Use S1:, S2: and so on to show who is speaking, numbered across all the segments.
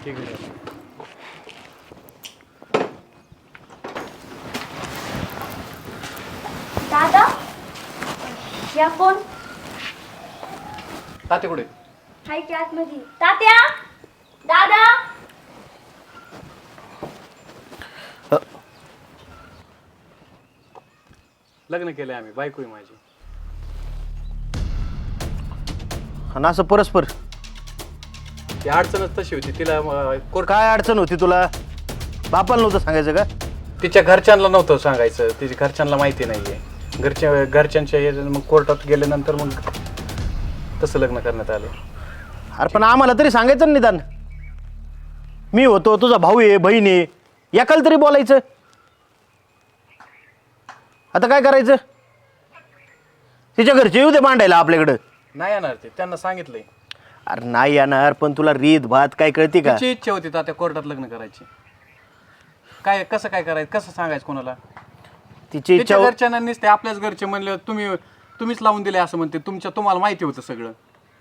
S1: ठीक आहे.
S2: दादा या कोण
S1: ताते कुठे?
S2: हाय की आतमध्ये तात्या दादा
S1: लग्न केलंय आम्ही, बायको आहे माझी.
S3: आणि असं परस्पर
S1: ती अडचणच तशी होती. तिला कोर्ट
S3: काय अडचण होती तुला? बापाला नव्हतं सांगायचं का?
S1: तिच्या घरच्यांना नव्हतं सांगायचं. तिच्या घरच्यांना माहिती नाहीये. घरच्यांच्या मग कोर्टात गेल्यानंतर मग तसं लग्न करण्यात आलं.
S3: अरे पण आम्हाला तरी सांगायचं ना निदान. मी होतो, तुझा भाऊ आहे, बहीण आहे, एकाला तरी बोलायचं. आता काय करायचं? तिच्या घरचे येऊ दे मांडायला आपल्याकडं.
S1: नाही येणार ते, त्यांना सांगितलंय.
S3: अरे नाही येणार, पण तुला रीत भात काय कळते का?
S1: तिची इच्छा होती तात्या कोर्टात लग्न करायची. काय कसं काय करायचं, कसं सांगायचं कोणाला?
S3: तिची इच्छा
S1: तिच्या घरच्यांना नसते, आपल्याच घरचे म्हणले तुम्हीच लावून दिले असं म्हणते. तुम्हाला माहिती होतं सगळं.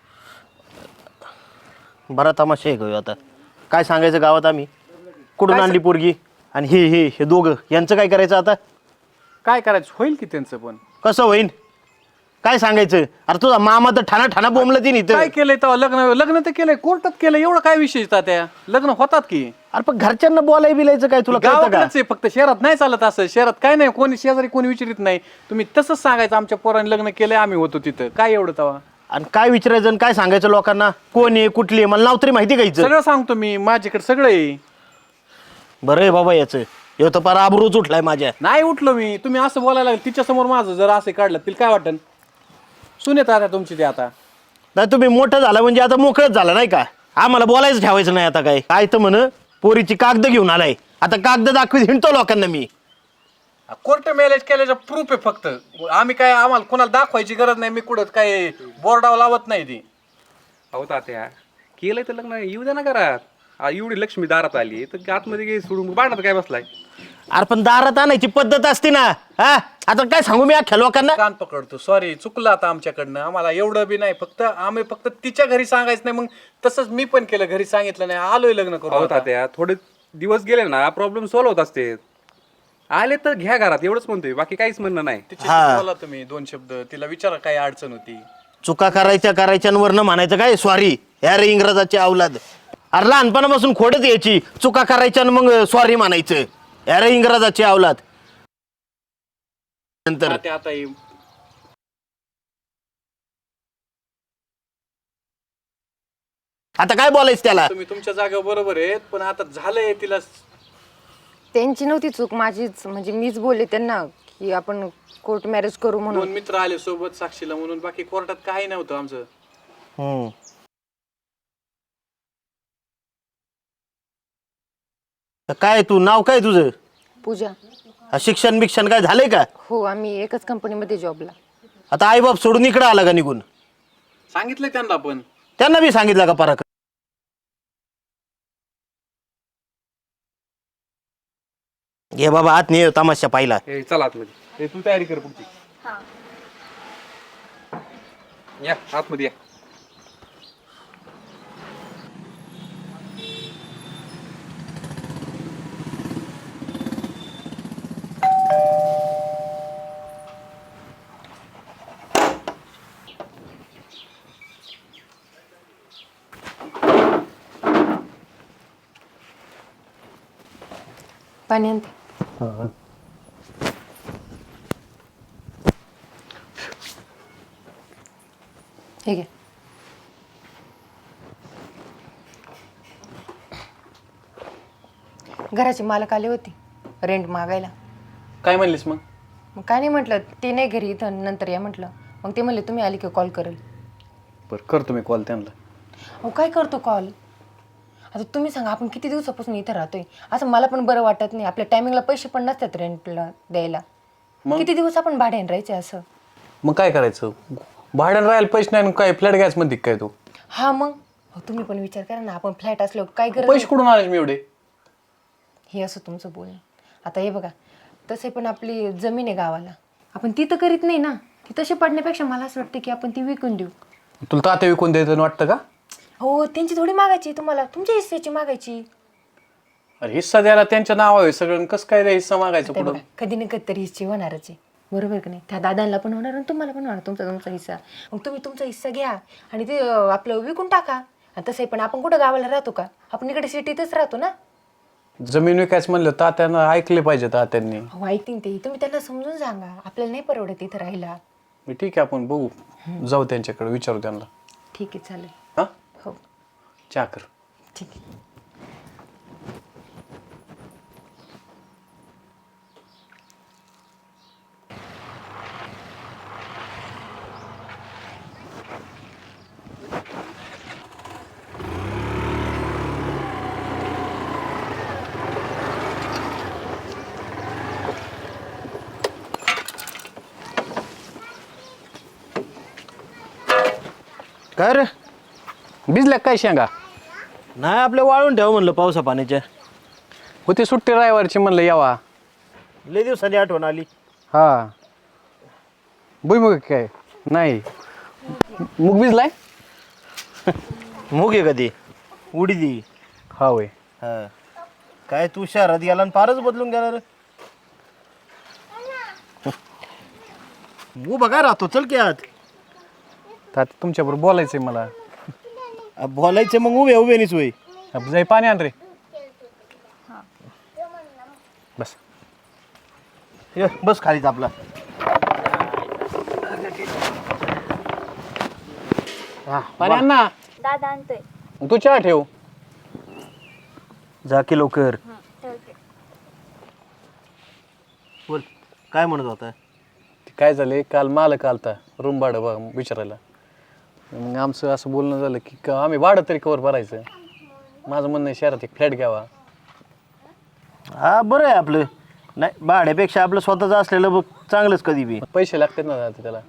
S3: बरा तमाशा आहे घेऊ आता. काय सांगायचं गावात आम्ही? कुठून आणली पोरगी? आणि हे दोघं यांचं काय करायचं आता?
S1: काय करायचं होईल की त्यांचं पण.
S3: कसं होईन? काय सांगायचं? अरे तुझा मामा तर ठाणा बोंबलं ती
S1: काय
S3: नाही.
S1: केलंय तेव्हा? लग्न तर केलंय, कोर्टात केलं. एवढं काय विशेष तात्या? लग्न होतात की.
S3: अरे पण घरच्यांना बोलाय बिलायचं काय तुला कळतं का?
S1: गावाकडच आहे फक्त, शहरात नाही चालत असं. शहरात काय नाही, कोणी शेजारी कोणी विचारित नाही. तुम्ही तसंच सांगायचं आमच्या पोराने लग्न केलंय, आम्ही होतो तिथं. काय एवढं तेव्हा?
S3: आणि काय विचारायचं आणि काय सांगायचं लोकांना? कोण आहे, कुठली आहे, मला नाव तरी माहिती घ्यायचं.
S1: सगळं सांगतो मी, माझ्याकडे सगळं आहे.
S3: बरं आहे बाबा याचं. हे तर पार आबरूच उठलाय माझ्या.
S1: नाही उठलो मी. तुम्ही असं बोलायला लागले तिच्या समोर, माझं जर असं काढलं तिला काय वाटन? सुनेत आता तुमची ते आता.
S3: नाही तुम्ही मोठं झाला म्हणजे आता मोकळच झाला नाही का? आम्हाला बोलायचं ठेवायचं नाही आता. काय तर म्हण पोरीची कागद घेऊन आलाय. आता कागद दाखवीत हिंडतो लोकांना मी.
S1: कोर्ट मॅरेज केल्याचं प्रूफ आहे फक्त. आम्ही काय, आम्हाला कोणाला दाखवायची गरज नाही. मी कुठं काय बोर्डावर लावत नाही ती.
S4: अहो तात्या केलंय तर लग्न येऊ द्या ना घरात. एवढी लक्ष्मी दारात आली तर आतमध्ये गे सोडून भांडत काय बसलाय?
S3: अरे पण दारात आणायची पद्धत असते ना. हा आता काय सांगू मी अख्ख्या लोकांना?
S1: कान पकडतो. सॉरी, चुकलं आता आमच्याकडनं. आम्हाला एवढं बी नाही. आम्ही फक्त तिच्या घरी सांगायचं नाही. मग तसंच मी पण केलं, घरी सांगितलं नाही. आलोय लग्न
S4: अहो
S1: करू.
S4: तात्या थोडे दिवस गेले ना प्रॉब्लेम सॉल्व्ह होत असते. आले तर घ्या घरात, एवढंच म्हणतोय, बाकी काहीच म्हणणं नाही.
S1: तिच्याशी बोला तुम्ही दोन शब्द. तिला विचारा काय अडचण होती.
S3: चुका करायच्या वरनं म्हणायचं काय सॉरी? यार इंग्रजाची अवलाद. अरे लहानपणापासून खोडच यायची. चुका करायच्या आणि मग सॉरी म्हणायचं. यार इंग्रजाची अवलाद. नंतर
S1: आता
S3: आता काय बोलायचं त्याला?
S1: तुम्ही तुमच्या जागेवर बरोबर आहेत, पण आता झालंय. तिला
S5: त्यांची नव्हती चूक, माझीच. म्हणजे मीच बोलले त्यांना की आपण कोर्ट मॅरेज करू म्हणून.
S1: दोन मित्र आले सोबत साक्षीला म्हणून. बाकी कोर्टात काही नव्हतं आमचं.
S3: काय तू नाव काय तुझं?
S5: पूजा.
S3: शिक्षण बिक्षण काय झालंय का?
S5: हो, आम्ही एकच कंपनीमध्ये जॉबला.
S3: आता आई बाप सोडून इकडं आला का निघून?
S1: सांगितलंय त्यांना पण.
S3: त्यांना बी सांगितलं का पराक? घे बाबा आत नाही तमाशा पाहिला.
S4: चला आतमध्ये. तू तयारी कर पुढची. या आतमध्ये या.
S5: पाणी आणते. हे घे. घराची मालक आली होती रेंट मागायला.
S1: काय म्हणलीस मग?
S5: मग काय नाही म्हटलं, ते नाही घरी इथं, नंतर या म्हटलं. मग ते म्हणले तुम्ही आली की कॉल करेल.
S1: बरं करतो मी कॉल त्यांना.
S5: अहो काय करतो कॉल? आता तुम्ही सांगा, आपण किती दिवसापासून इथं राहतोय. असं मला पण बरं वाटत नाही. आपल्या टायमिंगला पैसे पण नसतात रेंटला द्यायला. किती दिवस आपण भाड्याने राहायचे असं?
S1: मग काय करायचं? भाड्यानं राहायला पैसे नाही, काय फ्लॅट गॅस मध्ये काय तू?
S5: हा मग तुम्ही पण विचार करा ना, आपण फ्लॅट असलो काय गरज
S1: पैसे कुठून आले मी एवढे?
S5: हे असं तुमचं बोलणं. आता हे बघा, तसे पण आपली जमीन आहे गावाला, आपण ती तर करीत नाही ना. ती तशी पडण्यापेक्षा मला असं वाटतं की आपण ती विकून देऊ.
S1: तुला तात्या विकून द्यायचं वाटतं का?
S5: हो त्यांची थोडी मागायची तुम्हाला, तुमच्या हिस्सेची मागायची.
S1: अरे हिस्सा द्यायला त्यांच्या नाव आहे सगळं, कसं काय रे हिस्सा मागायचं
S5: ते
S1: पुढं?
S5: बघा, कधी ना कधी तरी हिस्से होणारच आहे, बरोबर का नाही? त्या दादांना पण होणार आणि तुम्हाला पण होणार तुमचा हिस्सा. मग तुम्ही तुमचा हिस्सा घ्या आणि ते आपलं विकून टाका. आणि तसंही पण आपण कुठं गावाला राहतो का, आपण इकडे सिटीतच राहतो ना.
S1: जमीन विकायचं म्हणलं तात्यानं ऐकले पाहिजे तात्यांनी.
S5: हो ऐकतील ते, तुम्ही त्यांना समजून सांगा आपल्याला नाही परवडत इथं राहायला.
S1: मी ठीक आहे आपण बघू, जाऊ त्यांच्याकडे विचारू त्यांना.
S5: ठीक आहे चालेल.
S1: हा
S5: हो
S1: चहा कर.
S5: ठीक आहे.
S3: काय रे?
S1: भिजल्या काय शेंगा?
S3: नाही आपल्या वाळून ठेव म्हणलं पावसा पाण्याच्या.
S1: होती सुट्टी रविवारची म्हणलं यावा.
S3: लय दिवसांनी आठवण आली.
S1: हा भुईमुग काय नाही, मूग भिजलाय.
S3: मूग आहे कधी उडी दी.
S1: हा होय.
S3: हा काय तू शहरात गेला आणि फारच बदलून गेला रे. उभा काय राहतो, चल की आत.
S1: तात्या तुमच्याबरोबर बोलायचंय मला.
S3: बोलायचं मग उभे उभे नाहीच होय.
S1: जाई पाणी आण रे. बस
S3: ये, बस खालीच आपला.
S1: पाणी आण ना.
S2: दादा आणतोय.
S1: तू चहा ठेव.
S3: जा की लवकर.
S2: ठेवते.
S3: बोल काय म्हणत होता.
S1: काय झाले, काल मालक आलता रूम भाडं बघ विचारायला. मग आमचं असं बोलणं झालं की आम्ही भाडं तरी कवर भरायचं. माझं म्हणणं आहे शहरात एक फ्लॅट घ्यावा.
S3: हा बरं आहे आपलं. नाही भाड्यापेक्षा आपलं स्वतःचं असलेलं बघ चांगलंच कधी बी.
S1: पैसे लागतात ना दादा त्याला.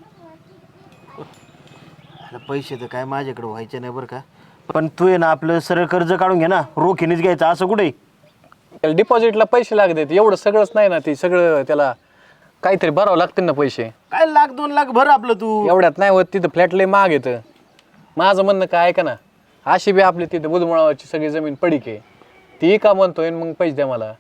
S3: आता पैसे तर काय माझ्याकडे व्हायचे नाही बरं का, पण तू आहे ना आपलं सरळ कर्ज काढून घे ना, रोखीनेच घ्यायचं असं कुठे.
S1: त्याला डिपॉझिटला पैसे लागतात, एवढं सगळंच नाही ना. ते सगळं त्याला काहीतरी भरावं लागतील ना पैसे.
S3: काय लाख 2 लाख भर आपलं तू.
S1: एवढ्यात नाही होत, तिथं फ्लॅट लय महाग येतं. माझं म्हणणं काय ऐका ना, अशी बी आपली तिथं बुधमळावरची सगळी जमीन पडीक आहे, ती का म्हणतोय मग पैसे द्या मला.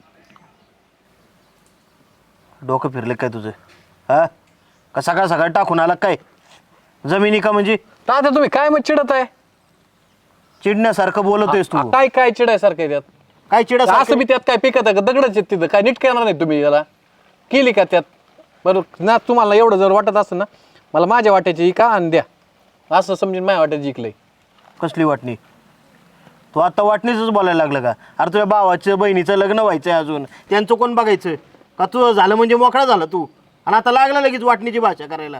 S3: डोकं फिरलं काय तुझं हा? का सकाळ सकाळ टाकून आला काय जमिनी का म्हणजे?
S1: तात्या तुम्ही काय मग चिडत आहे?
S3: चिडण्यासारखं बोलतोयस तू.
S1: काय काय चिडायसारखं आहे त्यात?
S3: काय चिड
S1: असं बी त्यात काय पिकत आहे का? दगडच आहेत तिथं, काय नीट करणार नाही तुम्ही त्याला? केली का त्यात? बरं ना, तुम्हाला एवढं जर वाटत असेल ना, मला माझ्या वाट्याची का आणि द्या, असं समजून माझ्या वाट्याची जिंकलंय.
S3: कसली वाटणी? तू आता वाटणीच बोलायला लागलं का? अरे तुझ्या भावाचं बहिणीचं लग्न व्हायचंय अजून, त्यांचं कोण बघायचं का? तू झालं म्हणजे मोकळा झाला तू, आणि आता लागला लगेच वाटणीची भाषा करायला.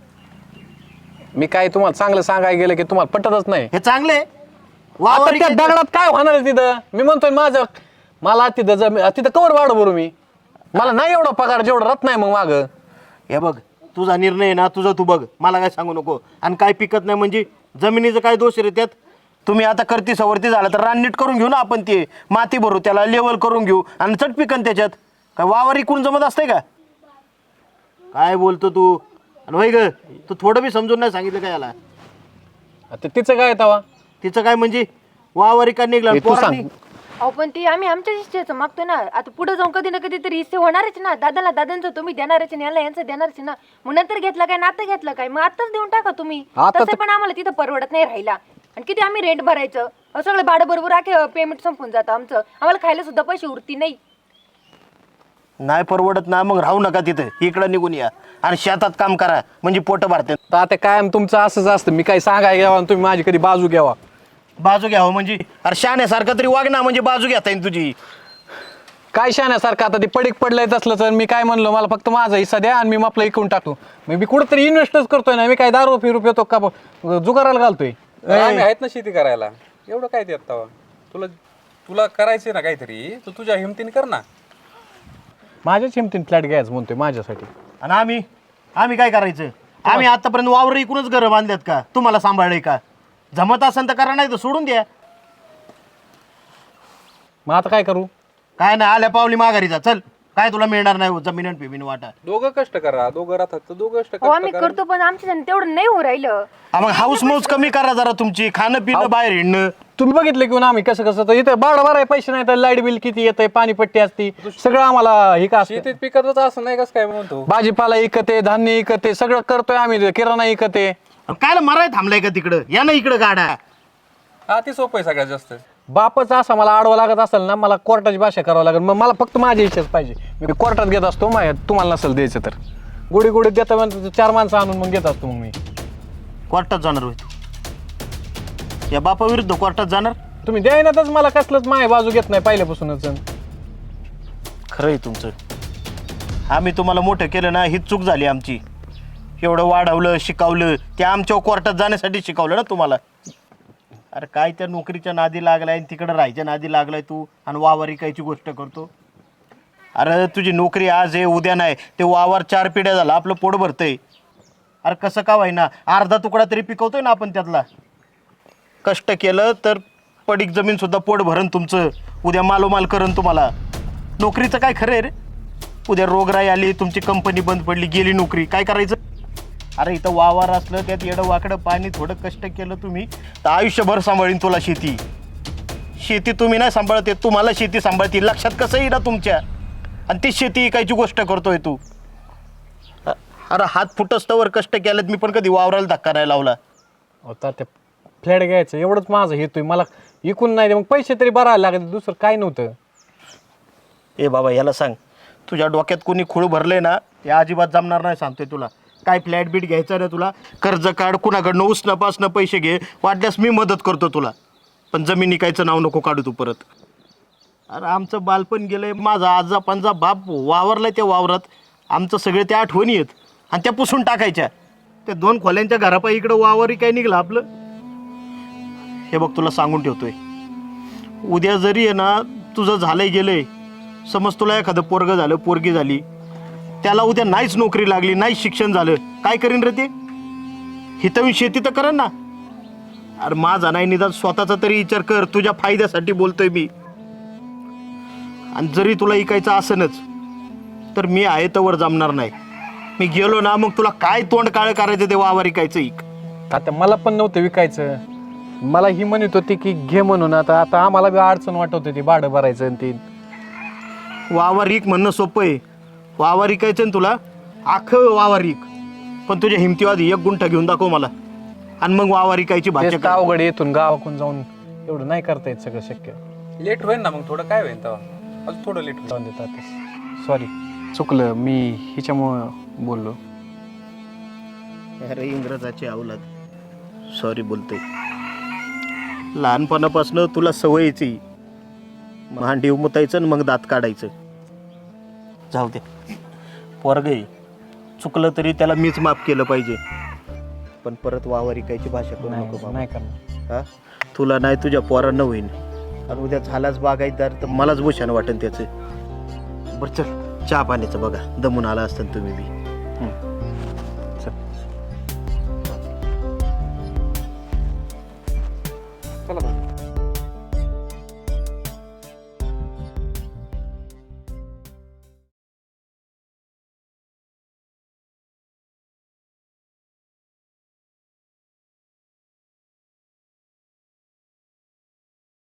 S1: मी काय तुम्हाला चांगलं सांगायला गेलं की तुम्हाला पटतच नाही.
S3: हे चांगले
S1: आता त्या दगडात काय होणार आहे तिथं? मी म्हणतोय माझं, मला तिथं तिथं कवर वाढ भरू मी. मला नाही एवढा पगार जेवढा रत नाही मग माग.
S3: हे बघ तुझा निर्णय आहे ना, तुझा तू बघ, मला काय सांगू नको. आणि काय पिकत नाही म्हणजे जमिनीचं काय दोष रे त्यात? तुम्ही आता करती सवरती झालं तर रान नीट करून घेऊ ना आपण, ते माती भरू, त्याला लेवल करून घेऊ आणि चट पिकन त्याच्यात. काय वावर इकून जमत असतंय का? काय बोलतो तू? आणि होय ग, तू थोडं बी समजून नाही सांगितलं काय याला?
S1: आता तिचं काय तवा?
S3: तिचं काय म्हणजे वावर इका निघला
S1: हे तू सांग.
S5: अहो पण ती आम्ही आमच्या हिस्सेचं मागतो ना. आता पुढे जाऊन कधी ना कधी तरी हिस्से होणारच ना. दादाला दादांचं तुम्ही देणारच ना, याला यांचं देणारच ना. मग नंतर घेतला काय, नातं घेतलं काय, मग आताच देऊन टाका तुम्ही.
S1: आता
S5: तसं पण आम्हाला तिथं परवडत नाही राहिला. आणि किती आम्ही रेंट भरायचं, सगळं भाडं बरोबर आखे पेमेंट संपून जातं आमचं. आम्हाला खायला सुद्धा पैसे उरती नाही.
S3: नाही परवडत ना, मग राहू नका तिथं, इकडं निघून या आणि शेतात काम करा, म्हणजे पोट भरते.
S1: तर आता काय तुमचं असंच असतं, मी काय सांगाय घ्यावा आणि तुम्ही माझी कधी बाजू घ्यावा.
S3: बाजू घ्यावं म्हणजे? अरे शाण्यासारखं तरी वाग ना, म्हणजे बाजू घेता येईल तुझी.
S1: काय शाण्यासारखं? आता ते पडीक पडलंय तसलं, तर मी काय म्हणलो, मला फक्त माझा हिस्सा द्या आणि मी आपलं इकून टाकतो. मी कुठंतरी इन्व्हेस्टच करतोय ना, मी काय दारू फिरू येतो का जुगाराला घालतोय?
S4: आम्ही आहेत ना शेती करायला, एवढं काय देत तवा? तुला करायचे ना काहीतरी, तू तुझ्या हिमतीने कर ना.
S1: माझ्याच हिमतीन फ्लॅट घ्यायचं म्हणतोय माझ्यासाठी.
S3: आणि आम्ही काय करायचं? आम्ही आतापर्यंत वावर इकूनच घरं बांधल्यात का? तुम्हाला सांभाळलंय का? जमत असेल तर करा, नाही तर सोडून द्या.
S1: मग आता काय करू?
S3: काय नाही, आल्या पावली माघारी जा, चल. काय तुला मिळणार नाही हो जमीन आणि पेमीन वाटा.
S4: दोघं कष्ट करा, दोघं राहतात तर दोघं कष्ट
S5: हो आम्ही
S4: करा.
S5: करतो पण आमच्या तेवढं नाही हो राहिलं.
S3: मग हाऊस मौज कमी करा जरा तुमची, खाणं पिणं बाहेर हिंडणं.
S1: तुम्ही बघितलं की आम्ही कसं कसं तर इथं बाळ भराय पैसे नाही तर लाईट बिल किती येतंय, पाणीपट्टी असती, सगळं आम्हाला हे का असतं.
S4: शेतीत पिकतच असं नाही कसं काय म्हणतो.
S1: भाजीपाला इकते, धान्य इकते, सगळं करतोय आम्ही, किराणा इकते.
S3: काय मराय थांबलाय का तिकडं, या ना इकडं गाडा.
S4: हा ते सोपं आहे सगळ्यात जास्त.
S1: बापच असा मला आडवा लागत असेल ना, मला कोर्टाची भाषा करावं लागेल. मग मला फक्त माझी इच्छाच पाहिजे. मी कोर्टात घेत असतो, तुम्हाला नसेल द्यायचं तर गुढी गुढीत देता म्हणतो 4 माणसं आणून मग घेत असतो. मग मी
S3: कोर्टात जाणार होय तू, या बापा विरुद्ध कोर्टात जाणार.
S1: तुम्ही द्यायनातच मला कसलंच माय बाजू घेत नाही पहिल्यापासूनच.
S3: खरंय तुमचं, आम्ही तुम्हाला मोठं केलं ना, ही चूक झाली आमची. एवढं वाढवलं शिकवलं, ते आमच्या कोर्टात जाण्यासाठी शिकवलं ना तुम्हाला. अरे काय त्या नोकरीच्या नादी लागलाय, तिकडं राहायच्या नादी लागलाय तू, आणि वावर इकायची गोष्ट करतो. अरे तुझी नोकरी आज आहे उद्या नाही, ते वावर 4 पिढ्या झाला आपलं पोट भरतंय. अरे कसं का व्हायना, अर्धा तुकडा तरी पिकवतोय ना आपण त्यातला. कष्ट केलं तर पडीक जमीन सुद्धा पोट भरण तुमचं, उद्या मालोमाल करण तुम्हाला. नोकरीचं काय खरं आहे रे, उद्या रोगराई आली, तुमची कंपनी बंद पडली, गेली नोकरी, काय करायचं. अरे इथं वावर असलं, त्यात येडं वाकडं पाणी, थोडं कष्ट केलं तुम्ही तर आयुष्यभर सांभाळीन तुला शेती. शेती तुम्ही नाही सांभाळते, तुम्हाला शेती सांभाळते. लक्षात कसं येईल ना तुमच्या, आणि ती शेती इकायची गोष्ट करतोय तू. अरे हात फुटस्तवर कष्ट केलेत मी, पण कधी वावराला धक्का नाही लावला.
S1: होता ते फ्लॅट घ्यायचं एवढंच माझं हेतोय, मला इकून नाही मग पैसे तरी भरायला लागले, दुसरं काय नव्हतं.
S3: ए बाबा याला सांग, तुझ्या डोक्यात कोणी खूळ भरले ना, ते अजिबात जमणार नाही सांगतोय तुला. काय फ्लॅट बीट घ्यायचं ना तुला, कर्ज काढ, कुणाकडनं उसणं पासणं पैसे घे, वाटल्यास मी मदत करतो तुला, पण जमीन इकायचं नाव नको काढू तू परत. अरे आमचं बालपण गेलंय, माझा आजा पंजा बाप वावरलाय त्या वावरात, आमचं सगळे त्या आठवणी आहेत, आणि त्या पुसून टाकायच्या. त्या 2 खोल्यांच्या घरापायी इकडं वावरही काय निघलं आपलं. हे बघ तुला सांगून ठेवतोय, उद्या जरी आहे ना तुझं झालंय गेलंय, समज तुला एखादं पोरगं झालं, पोरगी झाली, त्याला उद्या नाहीच नोकरी लागली, नाहीच शिक्षण झालं, काय करीन रे ते. हिथं शेती तर करेन ना. अरे माझा नाही निदान स्वतःचा तरी विचार कर, तुझ्या फायद्यासाठी बोलतोय मी. आणि जरी तुला इकायचं असनच तर मी आहे तवर जमणार नाही. मी गेलो ना मग तुला काय तोंड काळ करायचं ते वावर इकायचं इक.
S1: आता मला पण नव्हतं विकायचं, मला ही म्हणत होती की घे म्हणून. आता आता आम्हाला बी अडचण वाटत होती भाडं भरायचं आणि ते.
S3: वावर इक म्हणणं सोपं आहे, वावर इकायचं ना तुला, अख्खं वावर इक, पण तुझ्या हिमतीवादी 1 गुंठा घेऊन दाखव मला, आणि मग वावर इकायची भाषा
S1: तेच तर अवघड, येथून गावाकडून जाऊन एवढं नाही करता येत सगळं शक्य.
S4: लेट होईल ना मग, थोडं काय होईल तेव्हा, अजून थोडं लेट होईल.
S1: जाऊन देतात. सॉरी, चुकलं मी, हिच्यामुळं बोललो.
S3: अरे इंग्रजाची अवलाद, सॉरी बोलतोय. लहानपणापासून तुला सवयीची भांडी उमतायचं आणि मग दात काढायचं. जाऊ दे, पोरगं चुकलं तरी त्याला मीच माफ केलं पाहिजे, पण परत वावर इकायची भाषा करू नको बाबा.
S1: नाही करणार.
S3: हा, तुला नाही तुझ्या पोरांना होईन, आणि उद्या झालाच बागायतदार तर मलाच भूषण वाटेल त्याचं. बरं चल, चहा पाण्याचं बघा, दमून आला असतं तुम्ही बी.